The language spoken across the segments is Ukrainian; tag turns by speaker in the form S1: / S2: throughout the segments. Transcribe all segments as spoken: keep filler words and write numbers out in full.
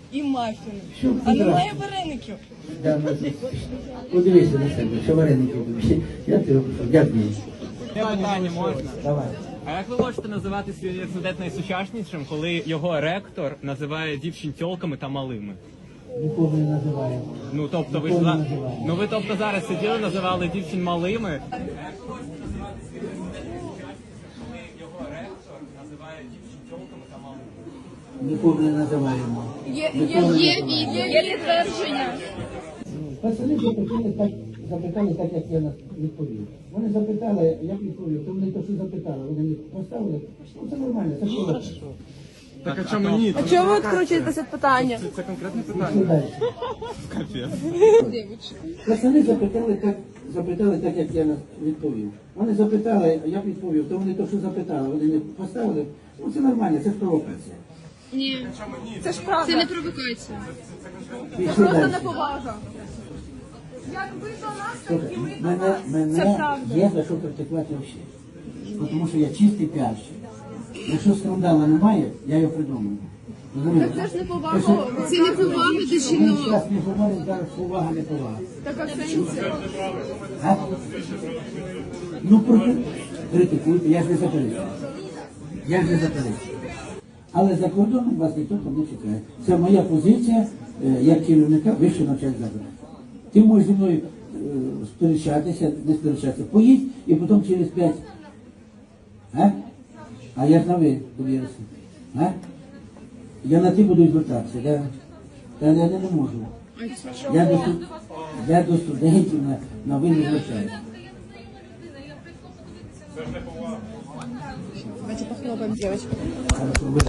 S1: і мафіни.
S2: Що
S1: А
S2: ти
S1: немає
S2: красиш?
S1: вареників.
S2: Да, ну, подивися на себе, що вареники тобі. Я тебе прошу, дякую.
S3: Питання можна?
S2: Давай.
S3: А як ви можете називати свій університет найсучаснішим, коли його ректор називає дівчин тьолками та малими?
S2: Нікого не називаємо.
S3: Ну тобто ви ж
S2: Нікого
S3: за-
S2: не називаємо.
S3: ну ви тобто зараз сиділи, називали дівчин малими. Його ректор називає дівчин тьолками та малими.
S2: Нікого не називаємо.
S1: Є,
S2: Нікого не
S1: є,
S2: називаємо.
S1: є, є підтвердження.
S2: Пацани запитали так, запитали так, як я на- відповів. Вони запитали, як відповів, то вони то, що запитали, вони не поставили. Ну, це нормально, це що.
S3: Так а чому ні?
S1: А чого ви відкручуєтеся від питання?
S3: Це конкретне
S2: Пішли далі. Пацани запитали так, запитали так, як я на- відповів. Вони запитали, як відповів, то вони то, що запитали, вони не поставили. Ну, це нормально, це ж провокація.
S4: Ні,
S1: Це ж правда.
S4: це не провокація.
S2: Пішли
S1: Просто
S2: далі.
S1: неповага. Як ви до нас, так
S2: Слухай,
S1: і ви до
S2: мене,
S1: нас. Це
S2: мене
S1: правда.
S2: є за що критикувати взагалі. Тому що я чистий піарщик. Якщо скандалу немає, я його придумаю. Розумієте?
S1: Це ж
S2: Те,
S1: неповага.
S2: що-
S4: Це не повага до
S2: Ми
S4: жінок.
S2: зараз не говоримо, зараз повага, не повага.
S1: Така в сенсі.
S2: А? Ну, проти... критикуйте, я ж не заперечую. Я ж не заперечую. Але за кордоном вас ніхто там не чекає. Це моя позиція е, як керівника вищого навчального закладу. Ти можеш зі мною е, сперечатися, не сперечатися. Поїдь і потім через п'ять. А? А я ж на ви довірився. А? Я на ти буду звертатися, да? Та я не, не можу. Я до, студ- я до студентів на, на ви не звертаюся.
S1: Давайте похлопаем, девочки.
S2: Ви,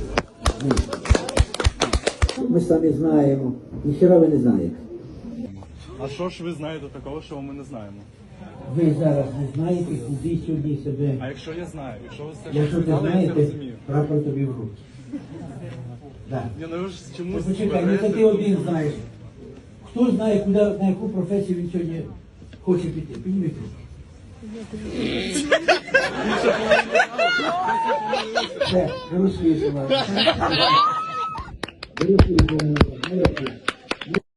S2: ви. Ми самі знаємо. Ніхера ви не знаєте.
S5: А що ж ви знаєте такого, що ми не знаємо?
S2: Ви зараз не знаєте, куди сьогодні себе.
S5: А якщо я знаю, якщо ви все
S2: Якщо ти
S5: сказали, я це
S2: знаєте,
S5: розумію.
S2: прапор тобі в руки. Да.
S5: Ні, ну ви ж чомусь
S2: Почекай, не це ти один знаєш. Хто знає, куди, на яку професію він сьогодні хоче піти? Підніміть руку. Все, вирушуєте вас. Вирушуєте вас.